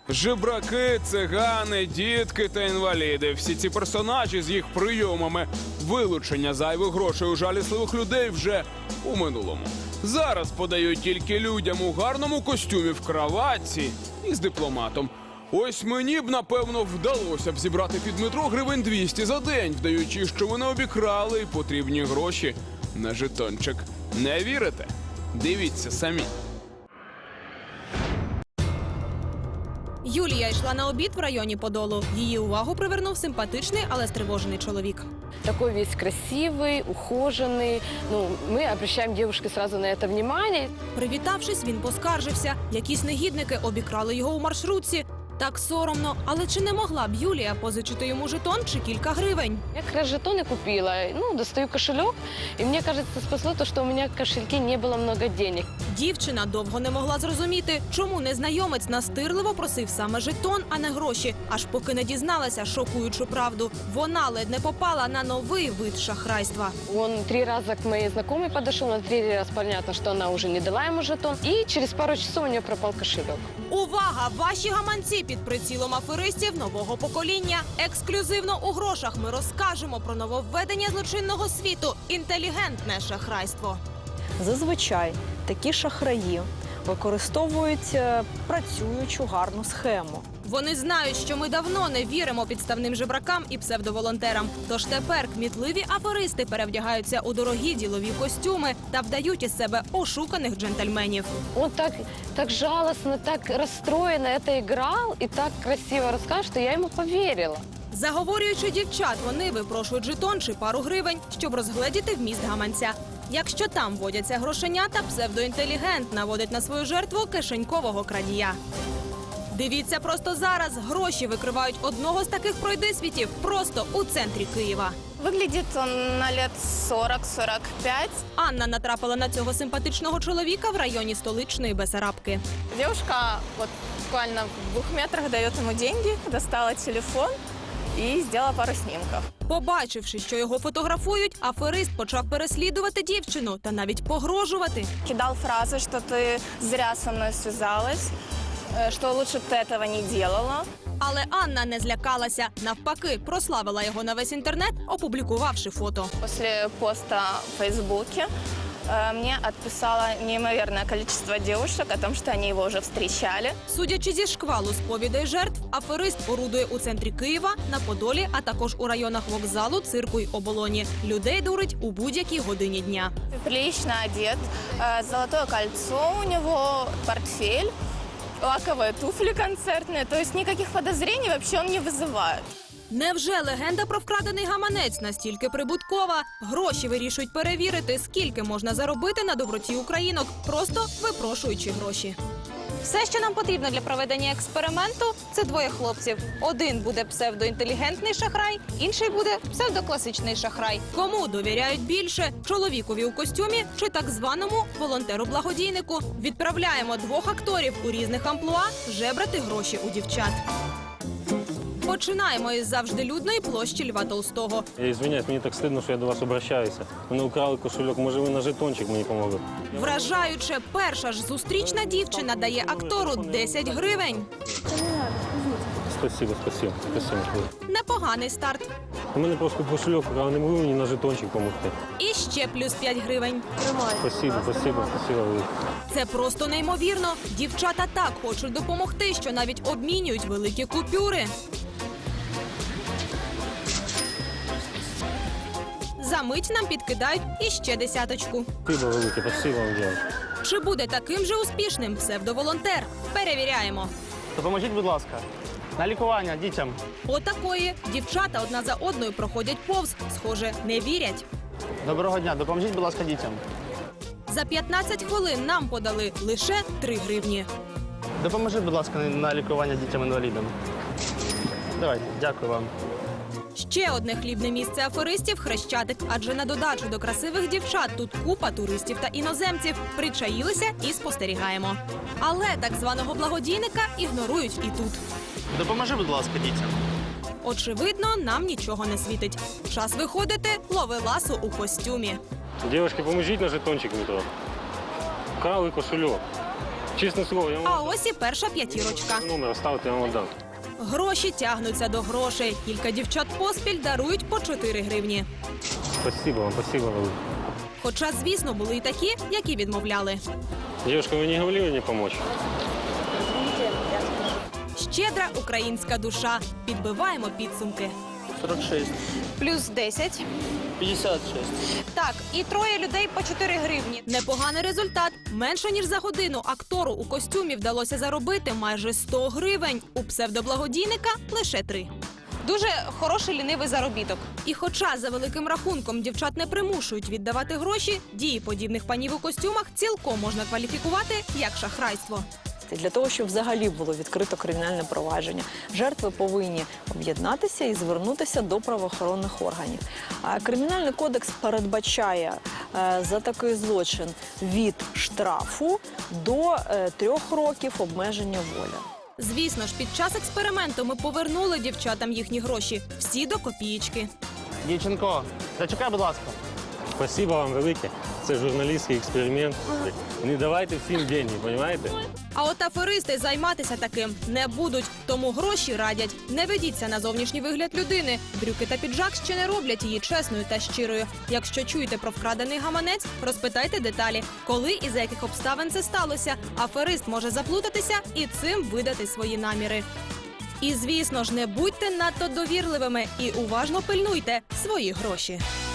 Жебраки, цигани, дітки та інваліди. Всі ці персонажі з їх прийомами вилучення зайвих грошей у жалісливих людей вже у минулому. Зараз подають тільки людям у гарному костюмі в краватці і з дипломатом. Ось мені б, напевно, вдалося б зібрати під метро гривень 200 за день, вдаючи, що мене обікрали і потрібні гроші на жетончик. Не вірите? Дивіться самі. Юлія йшла на обід в районі Подолу. Її увагу привернув симпатичний, але стривожений чоловік. Такой весь красивый, ухоженный. Мы обращаем девушке сразу на это внимание. Привітавшись, він поскаржився. Якісь негідники обікрали його у маршрутці. Так соромно. Але чи не могла б Юлія позичити йому жетон чи кілька гривень? Я как раз жетоны купила. Достаю кошелек. И мне кажется, спасло то, что у меня в кошельке не было много денег. Дівчина довго не могла зрозуміти, чому незнайомець настирливо просив саме жетон, а не гроші. Аж поки не дізналася шокуючу правду. Вона ледь не попала на новий вид шахрайства. Он 3 раза к моей знакомой подошел. На 3 раз понятно, что она уже не дала ему жетон. И через пару часов у нее пропал кошелек. Увага! Ваші гаманці під прицілом аферистів нового покоління. Ексклюзивно у грошах ми розкажемо про нововведення злочинного світу – інтелігентне шахрайство. Зазвичай такі шахраї використовують працюючу гарну схему. Вони знають, що ми давно не віримо підставним жебракам і псевдоволонтерам. Тож тепер кмітливі аферисти перевдягаються у дорогі ділові костюми та вдають із себе ошуканих джентльменів. Он так жалостно, так расстроенно это играл и так красиво рассказал, что я ему поверила. Заговорюючи дівчат, вони випрошують жетон чи пару гривень, щоб розгледіти вміст гаманця. Якщо там водяться грошенята, псевдоінтелігент наводить на свою жертву кишенькового крадія. Дивіться просто зараз. Гроші викривають одного з таких пройдисвітів просто у центрі Києва. Выглядит он на лет 40-45. Анна натрапила на цього симпатичного чоловіка в районі столичної Бесарабки. Девушка вот буквально в 2 метрах дает ему деньги, достала телефон и сделала пару снимков. Побачивши, що його фотографують, аферист почав переслідувати дівчину та навіть погрожувати. Кидал фразы, что ты зря со мной связалась, что лучше бы ты этого не делала. Але Анна не злякалася. Навпаки, прославила його на весь інтернет, опублікувавши фото. После поста в Фейсбуке мне отписало неимоверное количество девушек о том, что они его уже встречали. Судячи зі шквалу сповідей жертв, аферист орудує у центрі Києва, на Подолі, а також у районах вокзалу, цирку й оболоні. Людей дурить у будь-якій годині дня. Прилично одет, золотое кольцо у него, портфель, лаковые туфли концертные. То есть никаких подозрений вообще он не вызывает. Невже легенда про вкрадений гаманець настільки прибуткова? Гроші вирішують перевірити, скільки можна заробити на доброті українок, просто випрошуючи гроші. Все, що нам потрібно для проведення експерименту, це 2 хлопців. Один буде псевдоінтелігентний шахрай, інший буде псевдокласичний шахрай. Кому довіряють більше – чоловікові у костюмі чи так званому волонтеру-благодійнику? Відправляємо 2 акторів у різних амплуа жебрати гроші у дівчат. Починаємо із завжди людної площі Льва Толстого. Я извиняюсь, мені так стидно, що я до вас обращаюся. Мене украли кошельок, може ви на жетончик мені помогли? Вражаюче, перша ж зустрічна дівчина дає актору 10 гривень. Спасибо. Непоганий старт. У мене просто кошельок, а не могли мені на жетончик допомогти. І ще плюс 5 гривень. Спасибо. Це просто неймовірно. Дівчата так хочуть допомогти, що навіть обмінюють великі купюри. За мить нам підкидають іще 10. Спасибо велике, спасибо вам дякую. Чи буде таким же успішним псевдоволонтер? Перевіряємо. Допоможіть, будь ласка, на лікування дітям. Отакої. Дівчата одна за одною проходять повз. Схоже, не вірять. Доброго дня, допоможіть, будь ласка, дітям. За 15 хвилин нам подали лише 3 гривні. Допоможіть, будь ласка, на лікування дітям-інвалідам. Давайте, дякую вам. Ще одне хлібне місце аферистів – Хрещатик. Адже на додачу до красивих дівчат тут купа туристів та іноземців. Причаїлися і спостерігаємо. Але так званого благодійника ігнорують і тут. Допоможи, будь ласка, дітям. Очевидно, нам нічого не світить. Час виходити – ловеласу у костюмі. Дівчатки, поможіть на жетончик метро. Украли кошельок. Чесне слово, я А вам ось і перша п'ятірочка. номер ставте, я вам дам. Гроші тягнуться до грошей. Кілька дівчат поспіль дарують по 4 гривні. Спасибо вам, спасибо велике. Хоча, звісно, були й такі, які відмовляли. Девушка, вы не говорили не помочь? Щедра українська душа. Підбиваємо підсумки. 46. Плюс 10. 56. Так, і троє людей по 4 гривні. Непоганий результат. Менше ніж за годину актору у костюмі вдалося заробити майже 100 гривень. У псевдоблагодійника лише 3. Дуже хороший лінивий заробіток. І хоча за великим рахунком дівчат не примушують віддавати гроші, дії подібних панів у костюмах цілком можна кваліфікувати як шахрайство. Для того, щоб взагалі було відкрито кримінальне провадження, жертви повинні об'єднатися і звернутися до правоохоронних органів. А Кримінальний кодекс передбачає за такий злочин від штрафу до 3 років обмеження волі. Звісно ж, під час експерименту ми повернули дівчатам їхні гроші. Всі до копієчки. Дівчинко, зачекай, будь ласка. Спасибо вам велике. Це журналістський експеримент. Не давайте всім деньги, розумієте? А от аферисти займатися таким не будуть. Тому гроші радять. Не ведіться на зовнішній вигляд людини. Брюки та піджак ще не роблять її чесною та щирою. Якщо чуєте про вкрадений гаманець, розпитайте деталі. Коли і за яких обставин це сталося. Аферист може заплутатися і цим видати свої наміри. І, звісно ж, не будьте надто довірливими і уважно пильнуйте свої гроші.